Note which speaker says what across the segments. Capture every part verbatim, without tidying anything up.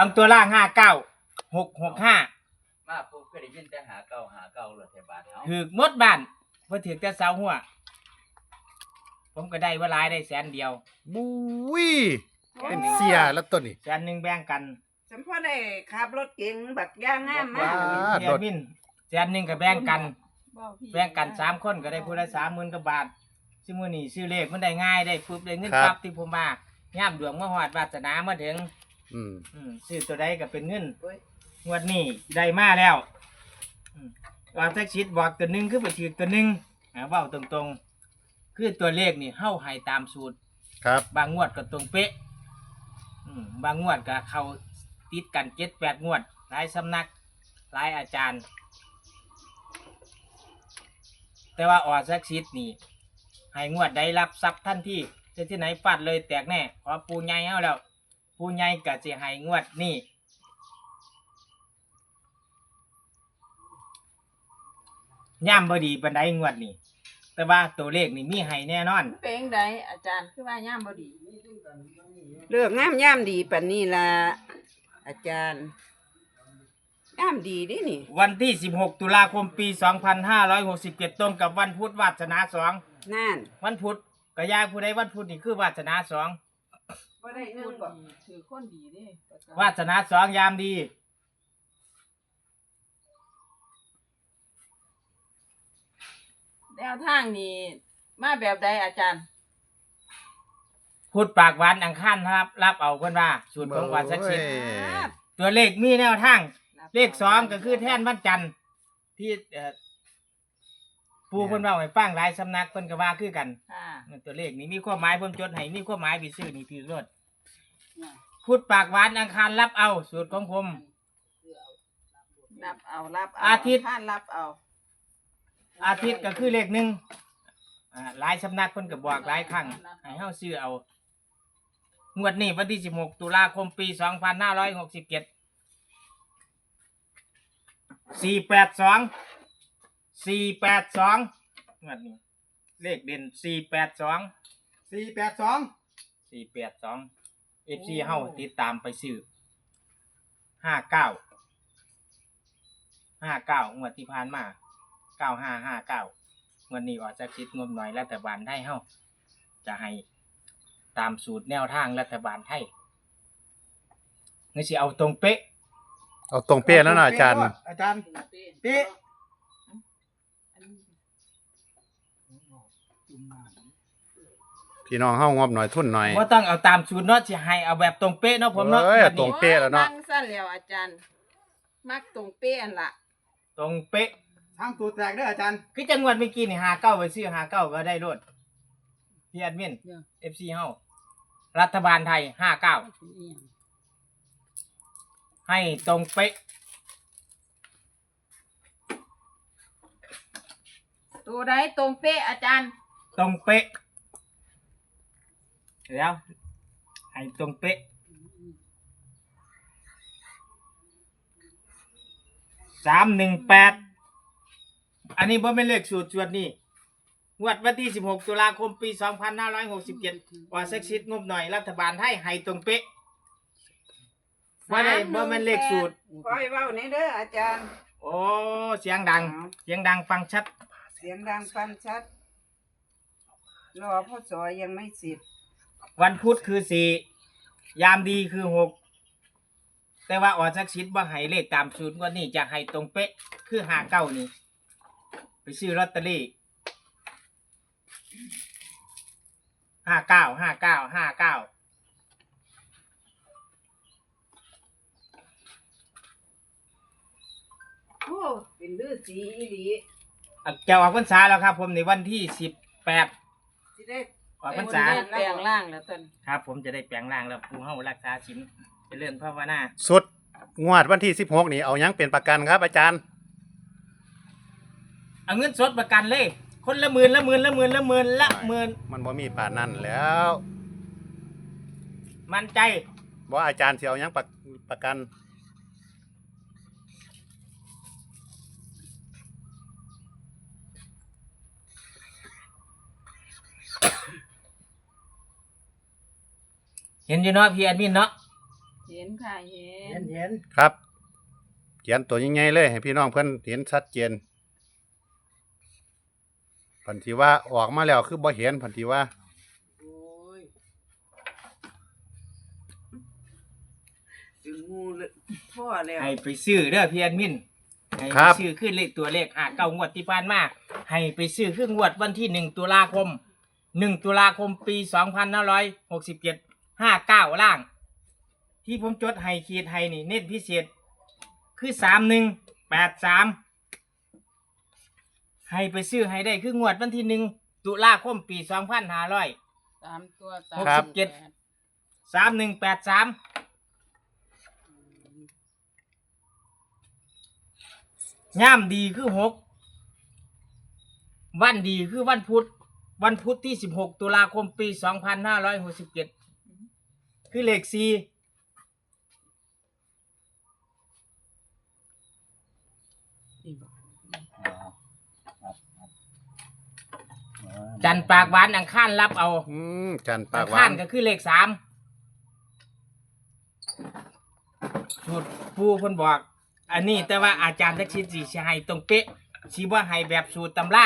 Speaker 1: บางตัวล่างห้าเก้าหกหกห้า
Speaker 2: มาปุ๊บก็ได้ยินแต่หาเก่าหาเก่าเลยแถวบ้านเฮา
Speaker 1: ถือหมดบ้านเพื่อถือแต่เสาหัวผมก็ได้ว่าหลายได้แสนเดียว
Speaker 3: บุ้ยเป็นเสียแล้วตัวนี้
Speaker 1: แสนหนึ่งแบ่งกัน
Speaker 4: ฉันพอได้ขับรถเก๋งบักย่างงามมาก
Speaker 1: เดียมินแสนหนึ่งก็แบ่งกันแบ่งกันสามคนก็ได้พูดละสามหมื่นกว่าบาทซื้อมือนี่ซื้อเลขมันได้ง่ายได้ปุ๊บได้เงินปั๊บที่ผมมาย่ามดวงมาหอดวาสนามาถึง
Speaker 3: อืม
Speaker 1: ซื้อตัวใดก็เป็นเงินงวดนี้ได้มาแล้วว่าแท็กชิดบอกตัวหนึ่งคือไปถือตัวหนึ่งเว้าตรงๆคือตัวเลขนี่เฮ้าให้ตามสูตร
Speaker 3: ครับ
Speaker 1: บางงวดก็ตรงเป๊ะบางงวดก็เข้าติดกันเจ็ดแปดงวดหลายสำนักหลายอาจารย์แต่ว่าออสักชิดนี่ให้งวดได้รับทรัพย์ท่านที่จะที่ไหนฟาดเลยแตกแน่ขอปูใหญ่เอาแล้วปูใหญ่ก็จะให้งวดนี่ย่ำบดีบันไดงวดนี่แต่ว่าตัวเลขนี่มีให้แน่นอน
Speaker 5: เป็นไดอาจารย์คือว่าย่ำบดี
Speaker 4: เลือกงามย่ามดีปานนี้ล่ะอาจารย์ย่ามดีดินี่
Speaker 1: วันที่สิบหกตุลาคมปีสองพันห้าร้อยหกสิบเจ็ดตรงกับวันพุธวาสนาสอง
Speaker 4: นั่น
Speaker 1: วันพุธก็ยายผู้ใดวันพุธนี่คือวาสนาสอง
Speaker 4: บ่ได้เงินบ่
Speaker 5: ถือคนดีเด้
Speaker 1: วาสนาสองยามดี
Speaker 5: แนวทางนี้มาแบบใดอาจารย์
Speaker 1: พุธปากหวานอังคารรับรับเอาเพิ่นว่าสูตรของวาสักชิดตัวเลขมีแนวทางเลขสองก็คือแท่นวันจันทร์ที่ปูเพิ่นเว้าให้ฟังหลายสำนักเพิ่นก็ว่าคือกันตัวเลขนี้มีความหมายผมจดให้มีความหมายไปซื้อนี่ถือรถพุธปากหวานอังคารรับเอาสูตรของผม
Speaker 5: รับเอารับเอา
Speaker 1: อาทิตย์
Speaker 5: ท่านรับเอา
Speaker 1: อาทิตย์ก็คือเลขหนึ่งหลายสำนักเพิ่นก็บอกหลายครั้งให้เฮาซื้อเอางวดนี้วันที่สิบหกตุลาคมปีสองพันห้าร้อยหกสิบเจ็ดสี่แปดสองสี่แปดสองงวดนี้เลขเด่นสี่แปดสอง
Speaker 3: สี่แปดสอง
Speaker 1: สี่แปดสองเอฟซีเฮาติดตามไปซื้อห้าเก้าห้าเก้างวดที่ผ่านมาเก้าห้าห้าเก้างวดนี้ออกจากคิดงบหน่อยรัฐบาลไทยเฮาจะให้ตามสูตรแนวทางรัฐบาลไทยนี่สิเอาตรงเป๊ะ
Speaker 3: เอาตรงเป๊ะแล้วนะอาจารย์
Speaker 1: อาจารย์เป๊ะ
Speaker 3: พี่น้องเฮางบหน่อยทุนหน่อย
Speaker 1: บ่ต้องเอาตามสูตรเนาะสิให้เอาแบบตรงเป๊ะเนาะผมเนาะ
Speaker 3: เอ้ยตรงเป๊ะแล้วเนาะ
Speaker 5: มักสั้นแล้วอาจารย์มักตรงเป๊ะอันละ
Speaker 1: ตรงเป๊ะ
Speaker 3: ทางตัวแตกเด้ออาจารย์
Speaker 1: คือจังหวัดเมื่อกี้นี่ห้าเก้าไปซื้อห้าเก้าก็ได้รถพี่แอดมิน เอฟ ซี เฮารัฐบาลไทยห้าเก้าให้ตรงเป๊ะ
Speaker 5: ตัวใดตรงเป๊ะอาจารย์
Speaker 1: ตรงเป๊ะแล้วให้ตรงเป๊ะสามหนึ่งแปดอันนี้บ่เป็นเลขสูตรจวดนี่งวดวันที่สิบหกตุลาคมปีสองพันห้าร้อยหกสิบเจ็ดว่าเซ็กซิตงบหน่อยรัฐบาลไทยให้ตรงเป๊ะว่าได้บ่เป็นเลขสูตร
Speaker 4: คอยเว้าในเด้ออาจารย์
Speaker 1: โอ้เสียงดังเสียงดังฟังชัด
Speaker 4: เสียงดังฟังชัดรอพ่อสอยยังไม่เสร็จ
Speaker 1: วันพุธคือสี่ยามดีคือหกแต่ว่าออสักชิดว่าให้เลขตามสูตรว่านี่จะให้ตรงเป๊ะคือห้าเก้านี่ไปซื้อลอตเตอรี่ห้าเก้าห้าเก้าห้าเก้า
Speaker 4: โอ้เป็นฤาษีอีหลี
Speaker 1: จะออกพรรษาแล้วครับผมในวันที่สิบแปด
Speaker 4: สิได้
Speaker 1: ออกพรรษา
Speaker 5: แปลงร่างแล้วท่าน
Speaker 1: ครับผมจะได้แปลงร่างแล้วผู้เฮารักษาศีลเจริญภาวนา
Speaker 3: สุดงวดวันที่สิบหกนี่เอายังเป็นประกันครับอาจารย์
Speaker 1: เอาเงินสดประกันเลยคนละหมื่นละหมื่นละหมื่นละหมื่นละหมื่น
Speaker 3: มันบ่มีป่านนั่นแล้ว
Speaker 1: มั่นใจ
Speaker 3: ว่าอาจารย์สิเอายังประประกัน
Speaker 1: เห็นอยู่เนาะพี่แอดมินเนาะ
Speaker 5: เห็นค่ะเห็
Speaker 1: เห็
Speaker 5: น
Speaker 1: นเห็น
Speaker 3: ครับเขียนตัวใหญ่ๆเลยให้พี่น้องเพิ่นเห็นชัดเจนพันธีว่าออกมาแล้วคือบ่เห็นพันธีว่า
Speaker 1: โอ้ย
Speaker 4: ถึงงูเลยพ่อแล้ว
Speaker 1: ให้ไปซื้อเด้อพี่แอดมินให้
Speaker 3: ครั
Speaker 1: ไป
Speaker 3: บ
Speaker 1: ซื้อขึ้นเลขตัวเลขหาเก้างวดที่ผ่านมาให้ไปซื้อขึ้นงวดวันที่หนึ่งตุลาคมหนึ่งตุลาคมปีสองพันห้าร้อยหกสิบเจ็ดห้าเก้าล่าง ที่ผมจดให้ขีดให้นี่เน้นพิเศษคือสามหนึ่งแปดสามให้ไปซื้อให้ได้คืองวดวันที่หนึ่งตุลาคมปีสองพันห้าร้อย
Speaker 5: สามตัว
Speaker 1: หกสิบเจ็ด สามหนึ่งแปดสามย่ามดีคือหกวันดีคือวันพุธวันพุธที่สิบหกตุลาคมปีสองพันห้าร้อยหกสิบเจ็ดคือเลขสี่จันทร์ปากหวานอังคารรับเอา
Speaker 3: อืมจันทร์ปา
Speaker 1: อั
Speaker 3: ก
Speaker 1: ง
Speaker 3: หวา
Speaker 1: คาร
Speaker 3: น
Speaker 1: ก็คือเลขสามสูตรปูคนบอก อันนี้แต่ว่าอาจารย์ทักษิณสีให้ตรงเป๊ะสีว่าให้แบบสูตรตำรา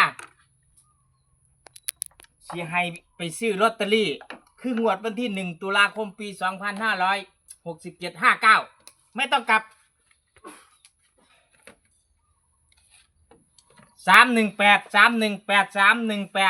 Speaker 1: สีให้ไปซื้อลอตเตอรี่ คืองวดวันที่หนึ่งตุลาคมปีสองพันห้าร้อยหกสิบเจ็ดห้าเก้าไม่ต้องกลับสามหนึ่งแปดสามหนึ่งแปดสามหนึ่งแปด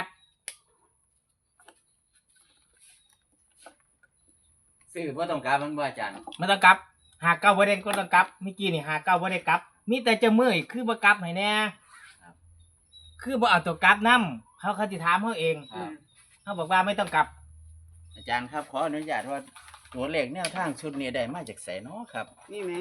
Speaker 2: ซื้อว่าต้องการมันบ่อาจารย์
Speaker 1: ไม่ต้องกลับหาเก้าบ่ได้ก็ต้องกลับเมื่อกี้นี่หาเก้าบ่ได้กลับ มีแต่จะเมื่อยคือบ่กลับให้แน่คือบ่เอาตัวกลับนํเขาเขาสิถามเขาเอง
Speaker 2: ครับ
Speaker 1: เขาบอกว่าไม่ต้องกลับ
Speaker 2: อาจารย์ครับขออนุญาตว่าตัวเลขแนวทางชุดนี้ได้มาจากไสเนาะครับ
Speaker 4: นี่ไหม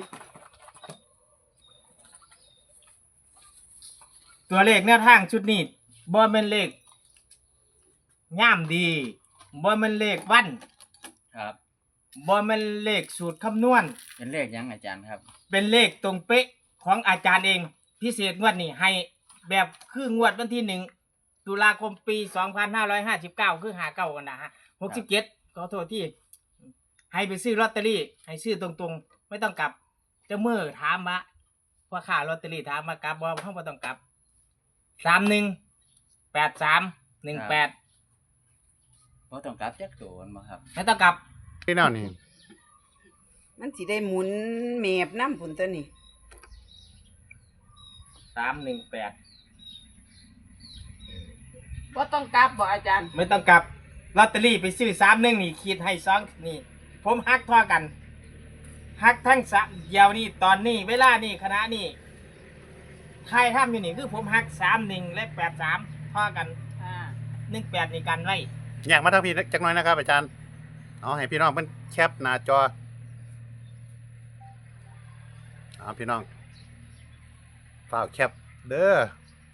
Speaker 1: ตัวเลขแนวทางชุดนี้บ่แม่นเลขย่ามดีบ่แม่นเลขวัน
Speaker 2: ครับ
Speaker 1: บ่แม่นเลขสูตรคำนวณ
Speaker 2: เป็นเลขหยังอาจารย์ครับ
Speaker 1: เป็นเลขตรงเป๊ะของอาจารย์เอง พิเศษงวดนี้ให้แบบคืองวดวันที่หนึ่งตุลาคมปีสองพันห้าร้อยห้าสิบเก้าคือหาเก้ากันนะฮะหกสิบเจ็ดขอโทษที่ ให้ไปซื้อลอตเตอรี่ ให้ซื้อตรงๆ ไม่ต้องกลับเจะเมื่อถามมาว่าค่าลอตเตอรี่ถามมากลับบ่ห้องไม่ต้องกลับสามหนึ่งแปดสามหนึ่งแปด
Speaker 2: บ่ต้องกลับจักตัวมันบ่ครับ
Speaker 1: ไม่ต้องกลับ
Speaker 3: พี่น้องนี่
Speaker 4: มันสิได้หมุนเมบน้ำผุนตัวนี้
Speaker 1: สามหนึ่งแปด
Speaker 5: ว่าต้องกลับบอกอาจารย์
Speaker 1: ไม่ต้องกลับลอตเตอรี่ไปซื้อสามหนึ่งนี่ขีดให้สองนี่ ผมฮักท่อกันฮักทั้งสะเดียวนี่ตอนนี้เวลานี่คณะนี่ใครทำอยู่นี่คือผมฮักสามหนึ่งและแปดสามท่อกัน
Speaker 5: อ่า
Speaker 1: หนึ่งแปดนี่กันไว้
Speaker 3: อยากมาทางพี่จักหน่อยนะครับอาจารย์เอาให้พี่น้องเพิ่นแคปหน้าจอเอาพี่น้องฝากแคปเด้อ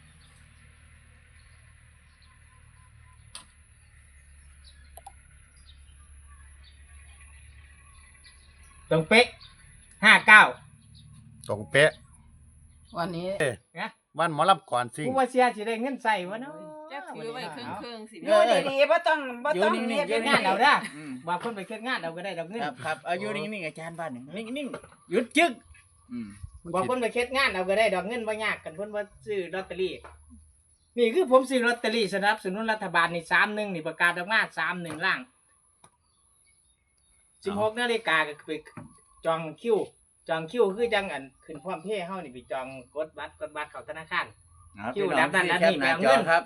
Speaker 1: ตรงเป๊ะห้าเก้า
Speaker 3: ตรงเป๊ะ
Speaker 5: วันนี้
Speaker 1: นะ
Speaker 3: วันหมอลำก่อนซิ่ง
Speaker 1: ผู้ว่าเสียสิได้เงินใส่วะเนาะ
Speaker 5: จะถือไว้ครึ่งครึ่งๆสิ
Speaker 4: อยู่ดีๆบ่ต้องบ่ต้อง
Speaker 2: อยู่นิ่
Speaker 4: เรีย
Speaker 2: ง
Speaker 4: ก
Speaker 2: ๆ
Speaker 1: งานเอาเด้อ
Speaker 2: อืม
Speaker 1: บอกคนไปเคล็ดงานเอาก็ได้ดอกเงิน
Speaker 2: ครับครับเอาอยู่นิ่งๆอาจารย์บ้านหนึ่งนิ่งๆหยุดจึกอืม
Speaker 1: บอกคนไปเคล็ดงานเอาก็ได้ดอกเงินบ่ยากกันเพิ่นว่าซื้อลอตเตอรี่นี่คือผมซื้อลอตเตอรี่สนับสนุนรัฐบาลนี่สามหนึ่งนี่ประกาศออกมาสามหนึ่งล่างสิบหกนาฬิกาก็ไปจองคิวจองคิวคือจังอันขึ้นพร้อมเพย์เฮานี่ไปจองกดบัตรกดบัตรเข้าธนาคาร
Speaker 2: เอา
Speaker 1: คิว
Speaker 2: พี่น้อง
Speaker 1: แบบนั้น
Speaker 2: ที่แคปหน้า
Speaker 1: แบบ
Speaker 2: จ
Speaker 1: เงิ
Speaker 2: อน ครับ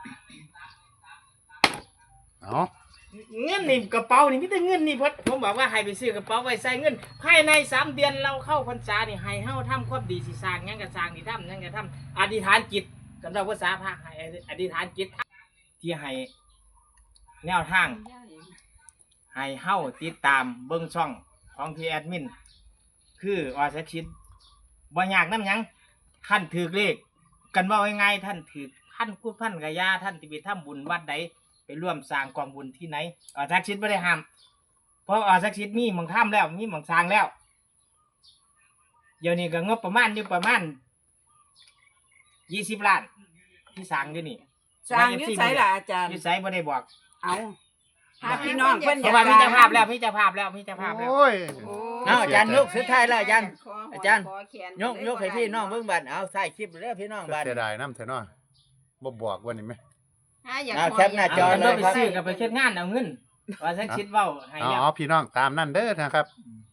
Speaker 3: เอา
Speaker 1: เงินนี่กระเป๋านี่มีแต่เงินนี่เพราะผมบอกว่าให้ไปซื้อกระเป๋าไว้ใส่เงินภายในสามเดือนเราเข้าพรรษานี่ให้เฮาทำความดีสิสร้างหยังก็สร้างนี่ทำหยังก็ทำอธิษฐานจิตกันเราภาษาพระให้อธิษฐานจิตที่ให้แนวทางให้เฮาติดตามเบิ่งช่องของพี่แอดมินคือออสักชิดบ่ยากนำหยังท่านถือเลขกันว่าง่ายๆท่านถือท่านพูดพันกะยาท่านที่ไปทำบุญวัดใดไปร่วมสร้างกองบุญที่ไหนออสักชิดไม่ได้ห้ามเพราะออสักชิดมีหมองถ้ำแล้วมีหมองสร้างแล้วเดี๋ยวนี้ก็งบประมาณอยู่ประมาณยี่สิบล้านที่สร้างอยู่นี่
Speaker 4: สร้างอยุ้ไสล่ะอาจารย์
Speaker 1: อยุ้ไสบ่ได้บอก
Speaker 4: เอาหาพี่น้องเพิ่น
Speaker 1: เพ
Speaker 4: อยา
Speaker 1: ราะ
Speaker 4: ก
Speaker 1: ว่ามีเจ้าภาพ
Speaker 4: สร้
Speaker 1: แล้
Speaker 4: ง
Speaker 1: วมีเจ้าภาพแล้วมีเจ้าภาพแล้ว
Speaker 3: โอ้ย
Speaker 4: โอ้
Speaker 2: เอาอาจารย์ยกสุดท้ายแล้วอาจารย์
Speaker 4: ขห
Speaker 2: อาจารย์
Speaker 4: ขแขน
Speaker 2: ยกยกให้พี่น้องเบิ่งบัดเอาใส่คลิปเด้อพี่น้องบัด
Speaker 3: เสียดายน้ำเถอะเนาะบ่บอกวันนี้ไหม
Speaker 4: หาอยาก
Speaker 2: เอา
Speaker 4: ข
Speaker 2: แคปหน้าจ
Speaker 1: จ
Speaker 2: อ
Speaker 1: อ
Speaker 2: เล
Speaker 1: เลย
Speaker 2: ย
Speaker 1: ไป
Speaker 2: ครับ
Speaker 1: ซื้อกับไปเช็ดงานเอาเงินว่าสักชิดเว้าให้
Speaker 3: อ๋
Speaker 1: แล้ว
Speaker 3: อพี่น้องตามนั่นเด้อนะครับ
Speaker 1: อืม